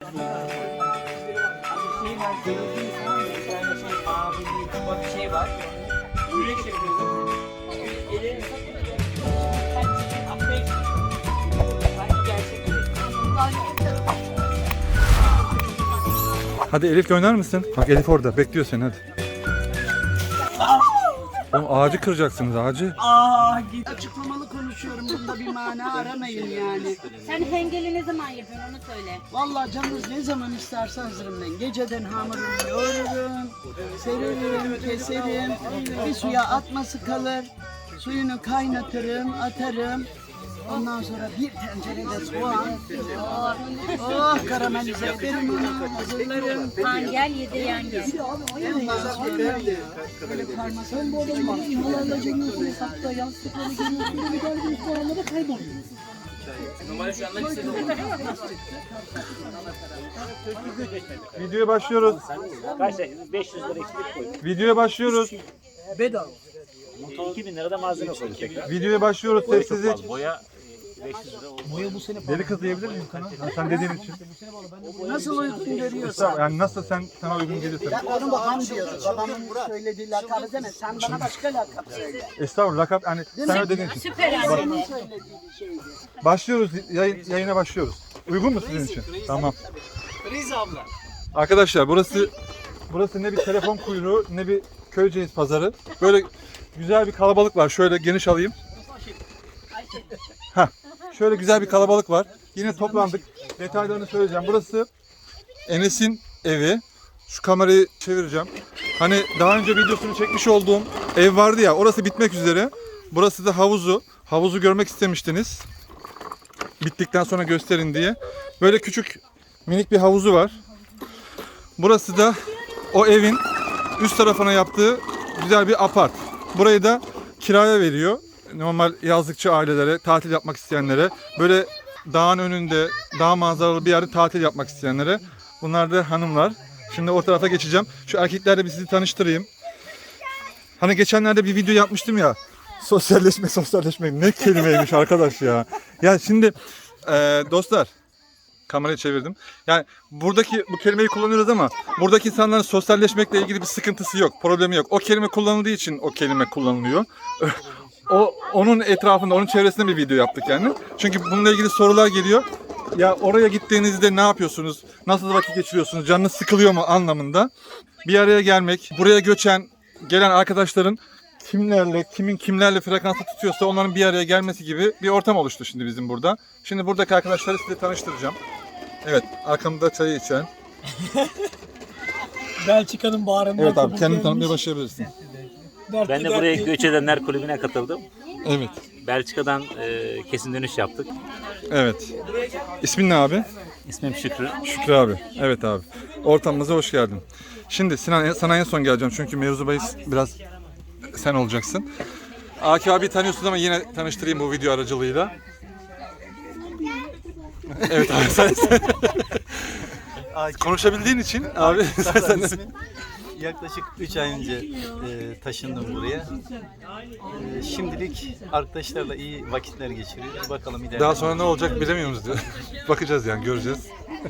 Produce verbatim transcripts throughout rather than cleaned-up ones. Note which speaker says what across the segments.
Speaker 1: Şey var, gördüğünüz zaman mesela şey abi bir şey var. Yürek yapıyorsun. Ellerini satıyor. Sen çiçeği atmaya çalışıyorsun. Sanki gerçek yürek.
Speaker 2: Hadi Elif oynar mısın? Bak Elif orada bekliyor seni hadi. Oğlum ağacı kıracaksınız ağacı.
Speaker 3: Aa, git. Açıklamalı konuşuyorum. Bunda bir mana aramayın yani.
Speaker 4: Sen hengeli ne zaman yapıyorsun onu söyle.
Speaker 3: Vallahi canınız ne zaman isterse hazırım ben. Geceden hamurumu yoğururum, sererim, keserim. Bir suya atması kalır. Suyunu kaynatırım, atarım. Ondan sonra bir tencerede soğan. Oh, oh karamelize ederim onu, hazırlarım.
Speaker 4: Han gel yedi yan gel.
Speaker 3: Ondan sonra böyle parmak. Sen bu adamı İmalarla cengiyorsun hesapta, yansıtıkları geliyorsun, bir galibin puanları kayboluyor.
Speaker 1: Normalde şu anda listede olur.
Speaker 2: Videoya başlıyoruz.
Speaker 5: Kaç lira? beş yüz lira eksik koy.
Speaker 2: Videoya başlıyoruz.
Speaker 3: Bedava.
Speaker 5: iki bin lira da malzeme koy tekrar.
Speaker 2: Videoya başlıyoruz sessizlik.
Speaker 5: Boya beş yüz lira oldu. Boya bu sene
Speaker 2: Deli kız diyebilir miyim sana? Ha, sen dediğin için.
Speaker 3: Nasıl uygun görüyorsan.
Speaker 2: Yani nasıl sen sana uygun gelirse.
Speaker 3: Ya onu babam diyor. Babamın söylediği lakabı deme. Sen bana başka lakap söyle.
Speaker 2: Estağfurullah lakap yani sen öyle dediğin için.
Speaker 4: Süper anne.
Speaker 3: Babamın söylediği şeydi.
Speaker 2: Başlıyoruz yayın, yayına başlıyoruz. Uygun mu sizin için? Tamam.
Speaker 1: Rize abla.
Speaker 2: Arkadaşlar burası burası ne bir telefon kuyruğu ne bir Köyceğiz pazarı. Böyle güzel bir kalabalık var. Şöyle geniş alayım. Heh. Şöyle güzel bir kalabalık var. Yine toplandık. Detaylarını söyleyeceğim. Burası Enes'in evi. Şu kamerayı çevireceğim. Hani daha önce videosunu çekmiş olduğum ev vardı ya. Orası bitmek üzere. Burası da havuzu. Havuzu görmek istemiştiniz. Bittikten sonra gösterin diye. Böyle küçük minik bir havuzu var. Burası da o evin üst tarafına yaptığı güzel bir apart. Burayı da kiraya veriyor. Normal yazlıkçı ailelere, tatil yapmak isteyenlere, böyle dağın önünde, dağ manzaralı bir yerde tatil yapmak isteyenlere. Bunlar da hanımlar. Şimdi o tarafa geçeceğim. Şu erkeklerle bir sizi tanıştırayım. Hani geçenlerde bir video yapmıştım ya. Sosyalleşme, sosyalleşme. Ne kelimeymiş arkadaş ya. Ya şimdi e, dostlar, kamerayı çevirdim. Yani buradaki bu kelimeyi kullanıyoruz ama buradaki insanların sosyalleşmekle ilgili bir sıkıntısı yok, problemi yok. O kelime kullanıldığı için o kelime kullanılıyor. O onun etrafında, onun çevresinde bir video yaptık yani. Çünkü bununla ilgili sorular geliyor. Ya oraya gittiğinizde ne yapıyorsunuz? Nasıl vakit geçiriyorsunuz? Canınız sıkılıyor mu anlamında. Bir araya gelmek, buraya göçen, gelen arkadaşların kimlerle, kimin kimlerle frekansı tutuyorsa onların bir araya gelmesi gibi bir ortam oluştu şimdi bizim burada. Şimdi buradaki arkadaşları size tanıştıracağım. Evet, arkamda çayı içen.
Speaker 6: Belçika'nın bağrından
Speaker 2: Evet abi,
Speaker 6: kabul
Speaker 2: kendini
Speaker 6: gelmiş.
Speaker 2: tanıtmaya başlayabilirsin.
Speaker 6: Dertli
Speaker 5: Ben de buraya
Speaker 6: dertli.
Speaker 5: Göç Edenler Kulübü'ne katıldım.
Speaker 2: Evet,
Speaker 5: Belçika'dan e, kesin dönüş yaptık.
Speaker 2: evet. İsmin ne abi?
Speaker 5: İsmim Şükrü.
Speaker 2: Şükrü abi. Evet abi. Ortamımıza hoş geldin. Şimdi Sinan sana en son geleceğim çünkü mevzu bahis biraz sen olacaksın. Akif abi tanıyorsun ama yine tanıştırayım bu video aracılığıyla. Evet abi sen, sen. Konuşabildiğin için abi sen, sen de...
Speaker 7: Yaklaşık üç ay önce e, taşındım buraya. E, şimdilik arkadaşlarla iyi vakitler geçiriyoruz. Bakalım ileride.
Speaker 2: Daha sonra ne olacak bilemiyoruz diyor. Bakacağız yani, göreceğiz.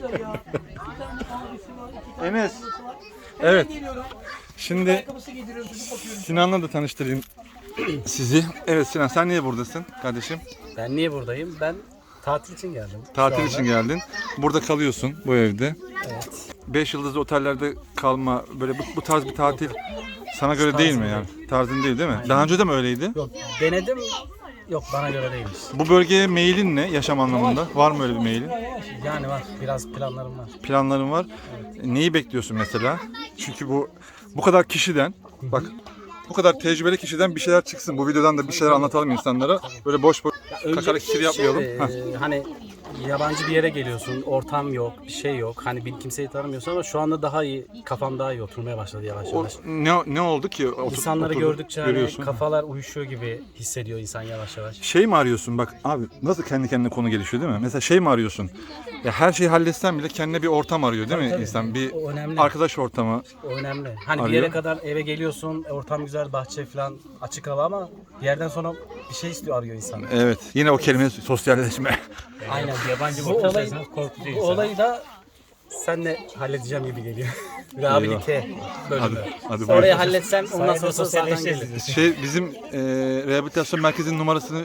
Speaker 2: Enes. Evet. Şimdi Sinan'la da tanıştırayım sizi. Evet Sinan, sen niye buradasın kardeşim?
Speaker 8: Ben niye buradayım? Ben tatil için geldim.
Speaker 2: Tatil için geldin. Burada kalıyorsun bu evde.
Speaker 8: Evet.
Speaker 2: Beş yıldızlı otellerde kalma, böyle bu, bu tarz bir tatil sana göre değil mi yani? Tarzın değil değil mi? Daha önce de mi öyleydi?
Speaker 8: Yok denedim. Yok bana göre değilmiş.
Speaker 2: Bu bölgeye mailin ne yaşam anlamında? Var mı öyle bir mailin?
Speaker 8: Yani var. Biraz planlarım var.
Speaker 2: Planların var. Neyi bekliyorsun mesela? Çünkü bu bu kadar kişiden, bak bu kadar tecrübeli kişiden bir şeyler çıksın. Bu videodan da bir şeyler anlatalım insanlara. Böyle boş boş kakarak kişi yapmayalım.
Speaker 8: Ee,
Speaker 2: Heh.
Speaker 8: hani yabancı bir yere geliyorsun. Ortam yok. Bir şey yok. Hani bir kimseyi tanımıyorsun ama şu anda daha iyi. Kafam daha iyi oturmaya başladı yavaş
Speaker 2: O,
Speaker 8: yavaş.
Speaker 2: ne ne oldu ki? Otur,
Speaker 8: İnsanları
Speaker 2: oturdun,
Speaker 8: gördükçe hani
Speaker 2: görüyorsun.
Speaker 8: kafalar uyuşuyor gibi hissediyor insan yavaş yavaş.
Speaker 2: Şey mi arıyorsun bak abi, nasıl kendi kendine konu gelişiyor değil mi? Mesela şey mi arıyorsun? Ya her şeyi halletsen bile kendine bir ortam arıyor değil mi
Speaker 8: Tabii,
Speaker 2: insan? Bir
Speaker 8: o önemli.
Speaker 2: arkadaş ortamı.
Speaker 8: O önemli. Hani
Speaker 2: Arıyor.
Speaker 8: bir yere kadar eve geliyorsun, ortam güzel, bahçe falan açık hava ama bir yerden sonra bir şey istiyor, arıyor insan.
Speaker 2: Evet, yine o kelime sosyalleşme.
Speaker 8: Aynen.
Speaker 5: Yabancı
Speaker 8: Bu olayı,
Speaker 5: korkutucu
Speaker 8: bu
Speaker 5: insan.
Speaker 8: olayı da senle halledeceğim gibi geliyor. Rehabilite bölümü.
Speaker 2: Hadi, hadi
Speaker 8: Orayı
Speaker 2: buyurun.
Speaker 8: halletsem ondan sonra zaten gelir.
Speaker 2: Şey bizim e, rehabilitasyon merkezinin numarasını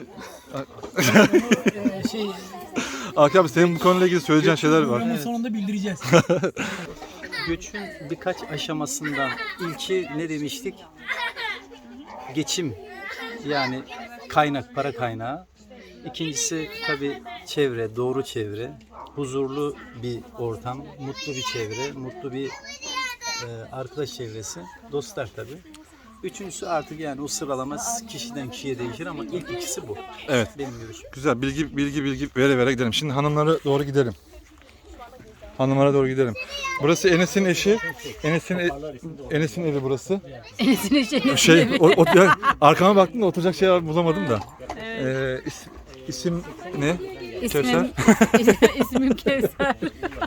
Speaker 6: Ee, şey,
Speaker 2: Akif abi senin bu konuyla ilgili söyleyeceğin şeyler var.
Speaker 6: programın sonunda bildireceğiz.
Speaker 7: Göçün birkaç aşamasından ilki ne demiştik? Geçim, yani kaynak, para kaynağı. İkincisi tabii çevre, doğru çevre, huzurlu bir ortam, mutlu bir çevre, mutlu bir e, arkadaş çevresi, dostlar tabii. Üçüncüsü artık yani o sıralama kişiden kişiye değişir ama ilk ikisi bu.
Speaker 2: Evet.
Speaker 7: Benim görüşüm.
Speaker 2: Güzel bilgi bilgi bilgi vere vere gidelim. Şimdi hanımlara doğru gidelim. Hanımlara doğru gidelim. Burası Enes'in eşi. Enes'in e- Enes'in evi burası.
Speaker 4: Enes'in eşi.
Speaker 2: Şey o, o, ya, arkama baktım da oturacak şey bulamadım da. Ee, is- isim ne? Kevser.
Speaker 4: İsmim, ismim Kevser.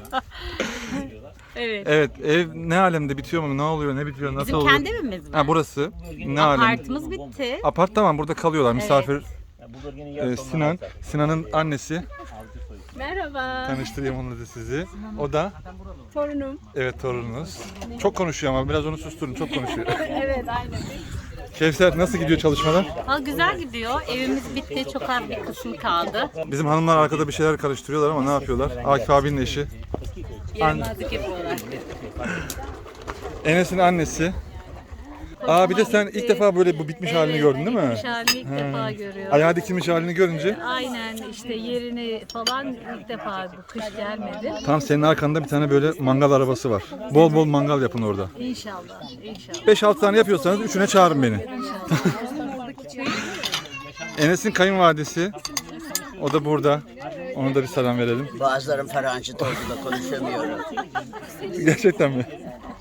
Speaker 4: Evet.
Speaker 2: Evet, ev ne alemde bitiyor mu? Ne oluyor? Ne bitiyor? Nasıl
Speaker 4: Bizim
Speaker 2: oluyor?
Speaker 4: kendi evimiz mi?
Speaker 2: Ha burası. Ne alem?
Speaker 4: Apartımız bitti.
Speaker 2: Apart tamam burada kalıyorlar misafir. Ee, Sinan, Sinan'ın annesi.
Speaker 4: Merhaba.
Speaker 2: Tanıştırayım onunla da sizi. O da
Speaker 4: Torunum.
Speaker 2: evet torununuz. Çok konuşuyor ama biraz onu susturun. Çok konuşuyor.
Speaker 4: Evet aynen.
Speaker 2: Kevser nasıl gidiyor çalışmalar?
Speaker 4: Ha, güzel gidiyor. Evimiz bitti. Çok az bir kısmı kaldı.
Speaker 2: Bizim hanımlar arkada bir şeyler karıştırıyorlar ama ne yapıyorlar? Akif abinin eşi.
Speaker 4: Yaramazlık yapıyorlar.
Speaker 2: Enes'in annesi. Aa bir de sen ilk defa böyle bu bitmiş halini gördün değil mi?
Speaker 4: Bitmiş halini ilk defa görüyorum.
Speaker 2: Ayağı dikilmiş halini görünce
Speaker 4: Aynen işte yerini falan ilk defa bu kış gelmedi.
Speaker 2: tam senin arkanda bir tane böyle mangal arabası var. Bol bol mangal yapın orada.
Speaker 4: İnşallah. İnşallah.
Speaker 2: beş altı tane yapıyorsanız üçüne çağırın beni. Enes'in kayınvalidesi. O da burada. Ona da bir selam verelim.
Speaker 3: Bazılarım faranjit oldu da konuşamıyorum.
Speaker 2: Gerçekten mi?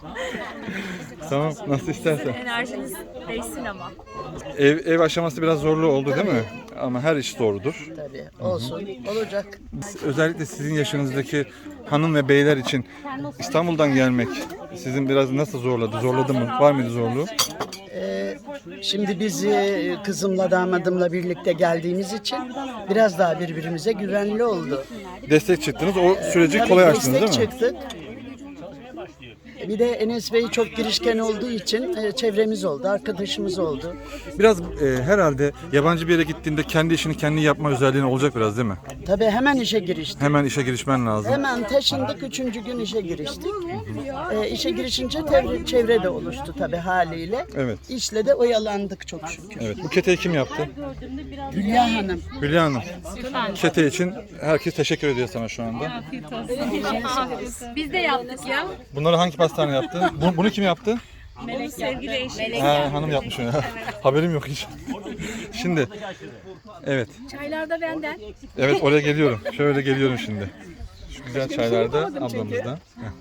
Speaker 2: Tamam nasıl istersen.
Speaker 4: Enerjiniz değsin ama.
Speaker 2: Ev, ev aşaması biraz zorlu oldu değil mi? Ama her iş doğrudur.
Speaker 3: Tabii olsun, olacak.
Speaker 2: Özellikle sizin yaşınızdaki hanım ve beyler için İstanbul'dan gelmek sizin biraz nasıl zorladı? Zorladı mı? Var mıydı zorluğu?
Speaker 3: Ee, şimdi biz e, kızımla damadımla birlikte geldiğimiz için biraz daha birbirimize güvenli oldu.
Speaker 2: Destek çıktınız. O süreci
Speaker 3: Tabii
Speaker 2: kolay açtınız
Speaker 3: destek
Speaker 2: değil mi?
Speaker 3: çıktık. Bir de Enes Bey çok girişken olduğu için e, çevremiz oldu, arkadaşımız oldu.
Speaker 2: Biraz e, herhalde yabancı bir yere gittiğinde kendi işini kendi yapma özelliğin olacak biraz değil mi?
Speaker 3: Tabii hemen işe giriştik.
Speaker 2: Hemen işe girişmen lazım.
Speaker 3: Hemen taşındık, üçüncü gün işe giriştik. E, işe girişince çevre, çevre de oluştu tabii haliyle.
Speaker 2: Evet.
Speaker 3: İşle de oyalandık çok şükür.
Speaker 2: Evet. Bu keteyi kim yaptı?
Speaker 3: Hülya Hanım.
Speaker 2: Hülya Hanım. Kete için herkes teşekkür ediyor sana şu anda.
Speaker 4: Biz de yaptık ya.
Speaker 2: Bunları hangi pastane yaptı? Bu- bunu kim yaptı?
Speaker 4: Melek sevgili eşim.
Speaker 2: Ha, hanım yapmış onu. Haberim yok hiç. Şimdi, evet.
Speaker 4: Çaylar da benden.
Speaker 2: Evet oraya geliyorum. Şöyle geliyorum şimdi. Şu güzel çaylarda ablamızdan.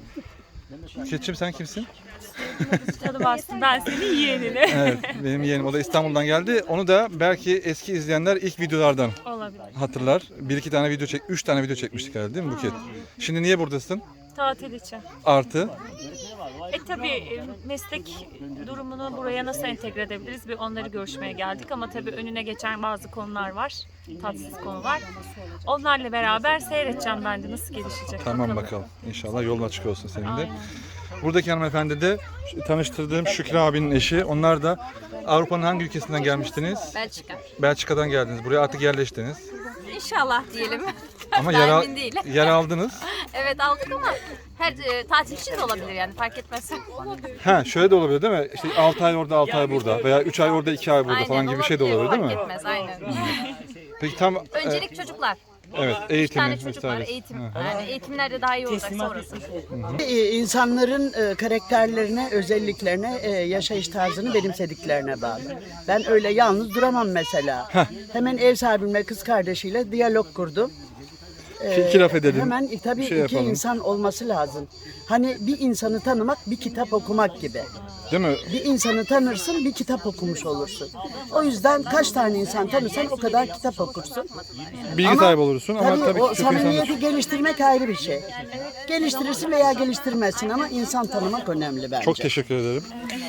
Speaker 2: Keçim sen kimsin?
Speaker 4: Canım bastım ben senin yeğenine.
Speaker 2: Evet benim yeğenim. O da İstanbul'dan geldi. Onu da belki eski izleyenler ilk videolardan
Speaker 4: Olabilir.
Speaker 2: hatırlar. Bir iki tane video çek, üç tane video çekmiştik herhalde değil mi Buket? Şimdi niye buradasın?
Speaker 4: Tatil için.
Speaker 2: Artı.
Speaker 9: E tabii e, meslek durumunu buraya nasıl entegre edebiliriz? Bir onları görüşmeye geldik ama tabii önüne geçen bazı konular var. Tatsız konular. Onlarla beraber seyredeceğim ben de nasıl gelişecek.
Speaker 2: Tamam bakalım. İnşallah yolun açık olsun senin de. Buradaki hanımefendi de tanıştırdığım Şükrü abinin eşi. Onlar da Avrupa'nın hangi ülkesinden gelmiştiniz?
Speaker 4: Belçika.
Speaker 2: Belçika'dan geldiniz. Buraya artık yerleştiniz.
Speaker 4: İnşallah diyelim.
Speaker 2: Ama
Speaker 4: Daha
Speaker 2: yer, al-
Speaker 4: emin değil.
Speaker 2: yer aldınız.
Speaker 4: Evet aldık ama her e, tatil için de olabilir yani fark etmez.
Speaker 2: Ha şöyle de olabilir değil mi? İşte altı ay orada altı ay burada veya üç ay orada iki ay burada
Speaker 4: Aynen,
Speaker 2: falan gibi bir şey de olabilir değil mi?
Speaker 4: Fark etmez aynen.
Speaker 2: Peki tam e,
Speaker 4: Öncelik çocuklar.
Speaker 2: evet
Speaker 4: Bir
Speaker 2: eğitimi
Speaker 4: tane çocuk var
Speaker 2: vesaire.
Speaker 4: eğitim.
Speaker 2: Hı.
Speaker 4: Yani eğitimlerde daha iyi olacak sonrası.
Speaker 3: E, İnsanların e, karakterlerine, özelliklerine, e, yaşayış tarzını benimsediklerine bağlı. Ben öyle yalnız duramam mesela. Hemen ev sahibimle kız kardeşiyle diyalog kurdum.
Speaker 2: İki, iki laf edelim.
Speaker 3: Hemen e, tabii
Speaker 2: bir şey
Speaker 3: iki
Speaker 2: yapalım.
Speaker 3: insan olması lazım. Hani bir insanı tanımak bir kitap okumak gibi.
Speaker 2: Değil mi?
Speaker 3: Bir insanı tanırsın, bir kitap okumuş olursun. O yüzden kaç tane insan tanırsan o kadar kitap okursun.
Speaker 2: Bilgi
Speaker 3: Ama
Speaker 2: sahibi olursun ama
Speaker 3: tabii,
Speaker 2: tabii
Speaker 3: o
Speaker 2: ki çok insanlar.
Speaker 3: samimiyeti geliştirmek ayrı bir şey. Geliştirirsin veya geliştirmezsin ama insan tanımak önemli bence.
Speaker 2: Çok teşekkür ederim.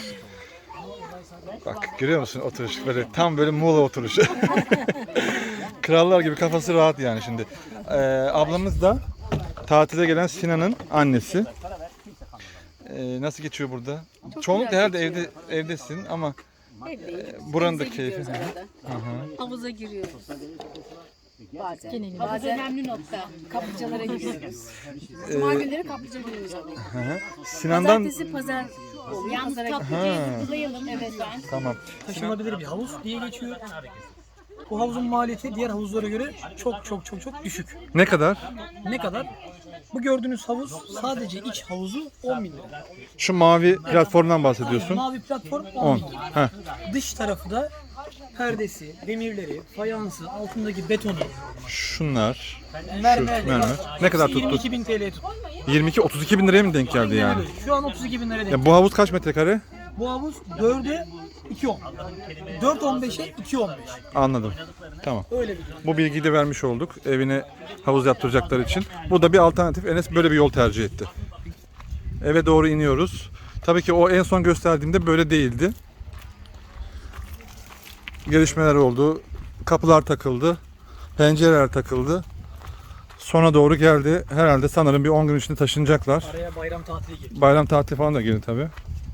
Speaker 2: Bak görüyor musun oturuş böyle tam böyle Muğla oturuşu. Krallar gibi kafası rahat yani şimdi. Ee, ablamız da tatile gelen Sinan'ın annesi. Ee, nasıl geçiyor burada? Çoğunlukla herhalde evde evdesin ama e, buranın da keyfi. Hı hı.
Speaker 10: Havuza giriyoruz. Bazen. Havuz önemli nokta. Kaplıcalara giriyoruz. Cuma günleri kaplıca günümüz oluyor.
Speaker 2: Hı hı. Sinan'dan
Speaker 10: Pazartesi pazar oluyor. Yalnız kaplıcayı kutlayalım. Evet ben.
Speaker 2: tamam.
Speaker 6: Taşınabilir bir havuz diye geçiyor. Bu havuzun maliyeti diğer havuzlara göre çok çok çok çok düşük.
Speaker 2: Ne kadar?
Speaker 6: Ne kadar? Bu gördüğünüz havuz sadece iç havuzu on bin lira.
Speaker 2: Şu mavi platformdan bahsediyorsun.
Speaker 6: Mavi platform on
Speaker 2: on.
Speaker 6: bin lira.
Speaker 2: Heh.
Speaker 6: Dış tarafı da perdesi, demirleri, fayansı, altındaki betonu,
Speaker 2: Şunlar.
Speaker 6: mermer.
Speaker 2: mermer. Ne kadar tuttu?
Speaker 6: yirmi iki bin T L tuttu.
Speaker 2: yirmi iki otuz iki bin liraya mı denk geldi
Speaker 6: Aynen
Speaker 2: yani?
Speaker 6: öyle. Şu an otuz iki bin lira denk.
Speaker 2: Ya bu havuz kaç metrekare?
Speaker 6: Bu havuz dörde iki on. dört on beşe iki on beş.
Speaker 2: Anladım. Tamam.
Speaker 6: Öyle bir.
Speaker 2: Bu bilgiyi de vermiş olduk evine havuz yaptıracaklar için. Bu da bir alternatif. Enes böyle bir yol tercih etti. Eve doğru iniyoruz. Tabii ki o en son gösterdiğimde böyle değildi. Gelişmeler oldu. Kapılar takıldı. Pencereler takıldı. Sona doğru geldi. Herhalde sanırım bir on gün içinde taşınacaklar.
Speaker 6: Araya bayram tatili girdi.
Speaker 2: Bayram tatili falan da girdi tabii.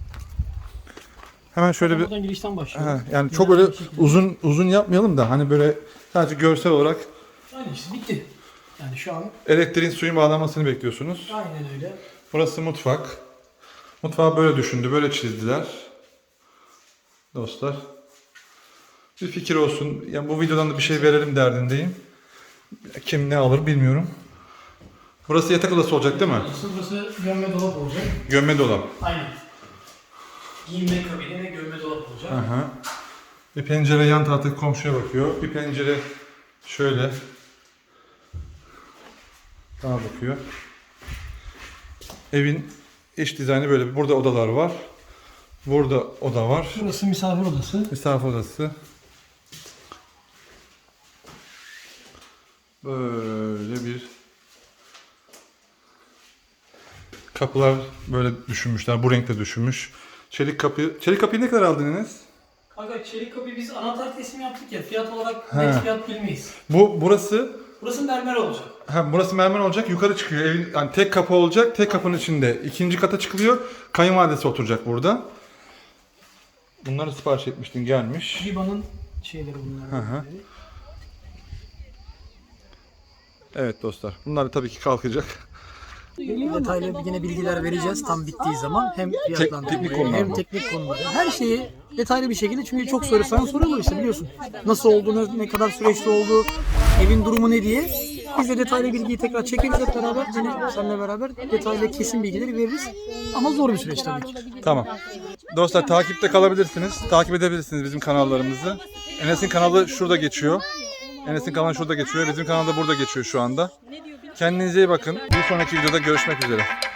Speaker 2: Hemen şöyle bir
Speaker 6: Buradan girişten başlıyor.
Speaker 2: He, yani çok öyle uzun uzun yapmayalım da hani böyle sadece görsel olarak
Speaker 6: Aynen işte bitti. Yani şu an
Speaker 2: elektriğin suyun bağlanmasını bekliyorsunuz.
Speaker 6: aynen öyle.
Speaker 2: Burası mutfak. Mutfağı böyle düşündü, böyle çizdiler. Dostlar. Bir fikir olsun. Yani bu videodan da bir şey verelim derdindeyim. Kim ne alır bilmiyorum. Burası yatak odası olacak değil mi?
Speaker 6: Burası gömme dolap olacak.
Speaker 2: Gömme dolap.
Speaker 6: Aynen. Giyinme kabini ve gömme dolap olacak.
Speaker 2: Aha. Bir pencere yan taraftaki komşuya bakıyor. Bir pencere şöyle daha bakıyor. Evin iç dizaynı böyle. Burada odalar var. Burada oda var.
Speaker 6: Burası misafir odası.
Speaker 2: Misafir odası. Böyle bir kapılar böyle düşünmüşler. Bu renkte düşünmüş. Çelik kapı. Çelik kapıyı ne kadar aldın Enes?
Speaker 6: Kanka çelik kapıyı biz anahtar teslimi yaptık ya. Fiyat olarak
Speaker 2: He.
Speaker 6: net fiyat bilmeyiz.
Speaker 2: Bu burası
Speaker 6: Burası mermer olacak.
Speaker 2: ha, burası mermer olacak. Yukarı çıkıyor. Evin yani tek kapı olacak. Tek kapının içinde. İkinci kata çıkılıyor. Kayınvalidesi oturacak burada. Bunları sipariş etmiştin. Gelmiş.
Speaker 6: Riba'nın şeyleri bunlar.
Speaker 2: Hı hı. Evet dostlar. Bunlar tabii ki kalkacak.
Speaker 6: Detaylı yine bilgiler vereceğiz tam bittiği zaman. Hem fiyatlandırma
Speaker 2: teknik konularda.
Speaker 6: hem teknik konularda. Her şeyi detaylı bir şekilde çünkü çok soru sana soruyorlar işte biliyorsun. Nasıl olduğunu, ne kadar süreçte olduğu, evin durumu ne diye. Biz de detaylı bilgiyi tekrar çekeriz hep beraber. Yine seninle beraber detaylı kesin bilgileri veririz. Ama zor bir süreç tabii ki.
Speaker 2: Tamam. Dostlar takipte kalabilirsiniz. Takip edebilirsiniz bizim kanallarımızı. Enes'in kanalı şurada geçiyor. Enes'in kanalı şurada geçiyor. Bizim kanal da burada geçiyor şu anda. Kendinize iyi bakın. Bir sonraki videoda görüşmek üzere.